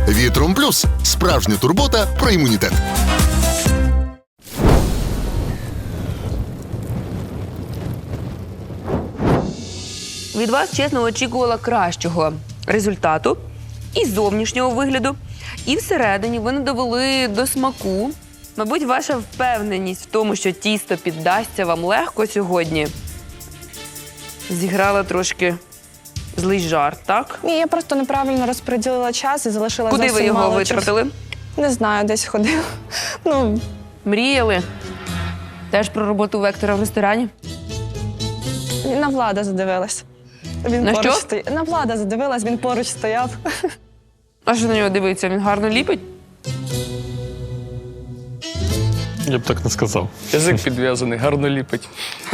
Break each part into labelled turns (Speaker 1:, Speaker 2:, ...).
Speaker 1: Вітром Плюс – справжня турбота про імунітет.
Speaker 2: Від вас, чесно, очікувала кращого результату і зовнішнього вигляду, і всередині ви не довели до смаку. Мабуть, ваша впевненість в тому, що тісто піддасться вам легко сьогодні, зіграла трошки злий жарт, так?
Speaker 3: Ні, я просто неправильно розподілила час і залишила
Speaker 2: Куди ви
Speaker 3: зовсім
Speaker 2: його
Speaker 3: мало
Speaker 2: витратили?
Speaker 3: часу. Не знаю, десь ходив. Ну,
Speaker 2: Мріяли? Теж про роботу Вектора в ресторані?
Speaker 3: на Влада задивилась. Він
Speaker 2: На
Speaker 3: поруч
Speaker 2: що?
Speaker 3: На Влада задивилась, він поруч стояв.
Speaker 2: А що на нього дивиться? Він гарно ліпить?
Speaker 4: Я б так не сказав.
Speaker 5: Язик підв'язаний, гарно ліпить.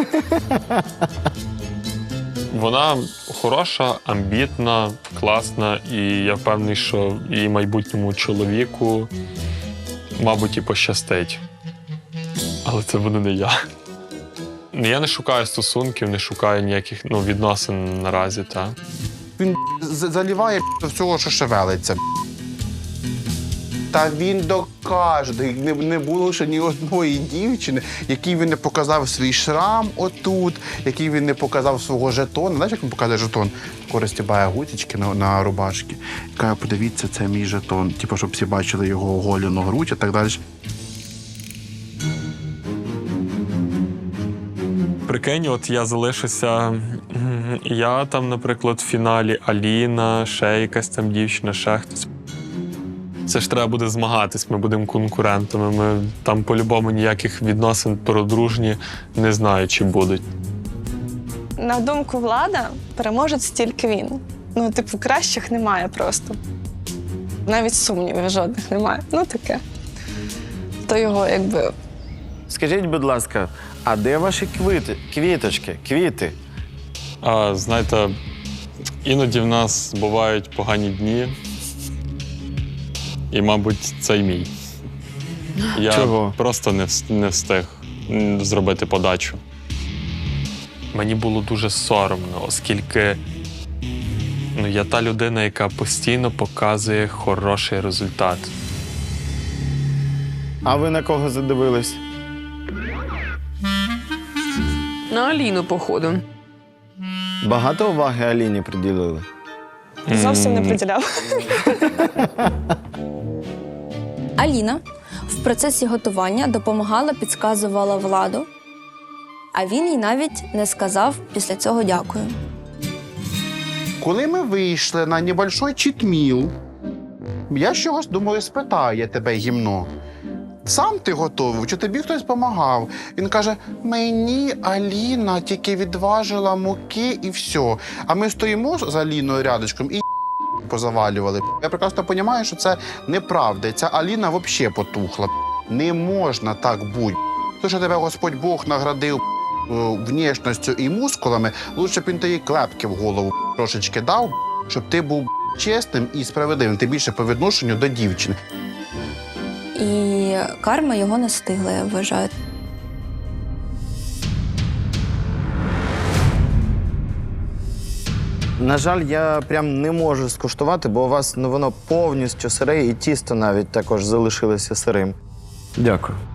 Speaker 4: Вона хороша, амбітна, класна, і я впевнений, що її майбутньому чоловіку, мабуть, і пощастить. Але це буду не я. Я не шукаю стосунків, не шукаю ніяких відносин наразі, так.
Speaker 6: Він заліває до всього, що шевелиться. Та він докаже, не було ще ні одної дівчини, якій він не показав свій шрам отут, який він не показав свого жетона. Знаєш, як він показує жетон? Розтібає гудзички на рубашки. Каже, подивіться, це мій жетон. Типу, щоб всі бачили його оголену грудь і так далі.
Speaker 4: Прикинь, от я залишуся, я там, наприклад, в фіналі Аліна, ще якась там дівчина, ще хтось. Це ж треба буде змагатись, ми будемо конкурентами. Ми там по-любому ніяких відносин про дружні не знаю, чи будуть.
Speaker 3: На думку Влада, переможець тільки він. Ну, типу, кращих немає просто. Навіть сумнівів жодних немає. Ну, таке. То його, якби...
Speaker 7: Скажіть, будь ласка, а де ваші квіти?
Speaker 4: А знаєте, іноді в нас бувають погані дні. І, мабуть, це й мій. Я
Speaker 7: Чого?
Speaker 4: просто не встиг зробити подачу. Мені було дуже соромно, оскільки я та людина, яка постійно показує хороший результат.
Speaker 7: А ви на кого задивились?
Speaker 2: На Аліну, походу.
Speaker 7: Багато уваги Аліні приділили?
Speaker 3: Зовсім не приділяв.
Speaker 8: Аліна в процесі готування допомагала, підказувала Владу, а він їй навіть не сказав після цього «дякую».
Speaker 6: Коли ми вийшли на небольшой читміл, я чогось думаю, спитає тебе гімно. Сам ти готовий, чи тобі хтось допомагав? Він каже, мені Аліна тільки відважила муки і все. А ми стоїмо з Аліною рядочком і позавалювали. Я прекрасно розумію, що це неправда. Ця Аліна взагалі потухла. Не можна так бути. Те, що тебе Господь Бог наградив внешністю і мускулами, лучше б він тобі клепки в голову трошечки дав, щоб ти був чесним і справедливим, тим більше по відношенню до дівчини.
Speaker 8: І карма його не стигла, я вважаю.
Speaker 7: На жаль, я прям не можу скуштувати, бо у вас воно повністю сире, і тісто навіть також залишилося сирим. Дякую.